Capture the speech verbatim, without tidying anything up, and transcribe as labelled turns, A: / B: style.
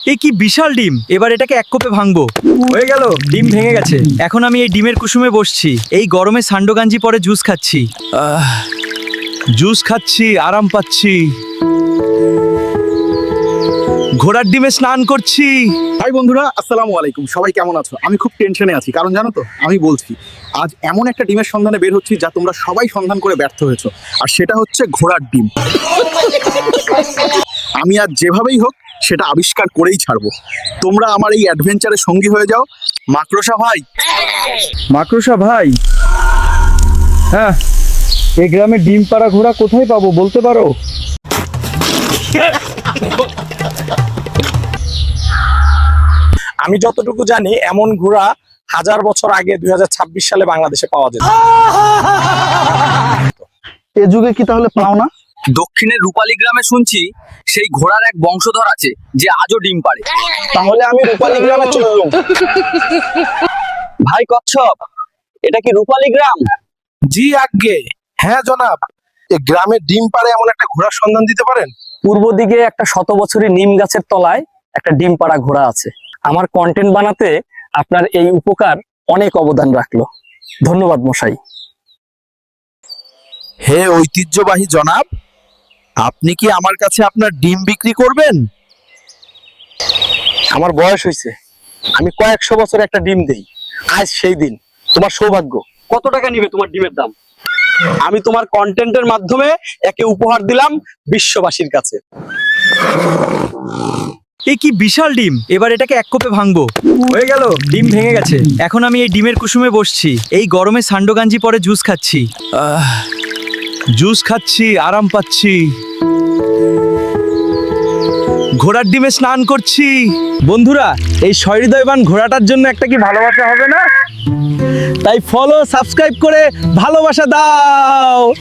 A: এ কি বিশাল ডিম! এবার এটাকে এক কোপে ভাঙবো। হয়ে গেল, ডিম ভেঙে গেছে। এখন আমি এই ডিমের কুসুমে বসছি, এই গরমে সান্ডো গাঞ্জি পরে জুস খাচ্ছি। আহ, জুস খাচ্ছি, আরাম পাচ্ছি। ঘোড়ার ডিমে স্নান করছি।
B: হাই বন্ধুরা, আসসালামু আলাইকুম। সবাই কেমন আছো? আমি খুব টেনশনে আছি, কারণ জানো তো, আমি বলছি আজ এমন একটা ডিমের সন্ধানে বের হচ্ছি যা তোমরা সবাই সন্ধান করে ব্যর্থ হয়েছো, আর সেটা হচ্ছে ঘোড়ার ডিম। আমি আজ যেভাবেই হোক সেটা আবিষ্কার করেই ছাড়বো। তোমরা আমার এই অ্যাডভেঞ্চারে সঙ্গী হয়ে যাও। মাকড়সা ভাই,
A: মাকড়সা ভাই, হ্যাঁ, এই গ্রামে ডিম পাড়া ঘোড়া কোথায় পাবো বলতে পারো?
C: আমি যতটুকু জানি এমন ঘোড়া হাজার বছর আগে দুই হাজার ছাব্বিশ সালে বাংলাদেশে পাওয়া যেত।
B: এ যুগে কি তাহলে পাও না?
D: দক্ষিণের রূপালী গ্রামে শুনছি সেই ঘোড়ার এক বংশধর আছে যে আজও ডিম পাড়ে।
C: তাহলে আমি রূপালী গ্রামে চললাম।
D: ভাই কচ্ছপ, এটা কি রূপালী গ্রাম?
B: জি আজ্ঞে, হ্যাঁ জনাব। এ গ্রামে ডিম পাড়ে এমন একটা ঘোড়ার সন্ধান দিতে পারেন?
D: পূর্ব দিকে একটা শত বছরের নিম গাছের তলায় একটা ডিম পাড়া ঘোড়া আছে। আমার কন্টেন্ট বানাতে আপনার এই উপকার অনেক অবদান রাখলো। ধন্যবাদ মশাই।
B: হে ঐতিহ্যবাহী জনাব, আপনি কি আমার কাছে আপনার ডিম বিক্রি করবেন?
C: আমার বয়স হয়েছে, আমি কয়েকশো বছর একটা ডিম দেই। আজ সেই দিন, তোমার সৌভাগ্য।
D: কত টাকা নিবে তোমার ডিমের দাম?
C: আমি তোমার কন্টেন্টের মাধ্যমে একে উপহার দিলাম বিশ্ববাসীর কাছে।
A: এ কি বিশাল ডিম! এবার এটাকে এক কোপে ভাঙবো। হয়ে গেল, ডিম ভেঙে গেছে। এখন আমি এই ডিমের কুসুমে বসছি, এই গরমে সান্ডো গাঞ্জি পরে জুস খাচ্ছি। আহ, জুস খাচ্ছি, আরাম পাচ্ছি। ঘোড়ার ডিমে স্নান করছি। বন্ধুরা, এই সহৃদয়বান ঘোড়াটার জন্য একটা কি ভালোবাসা হবে না? তাই ফলো, সাবস্ক্রাইব করে ভালোবাসা দাও।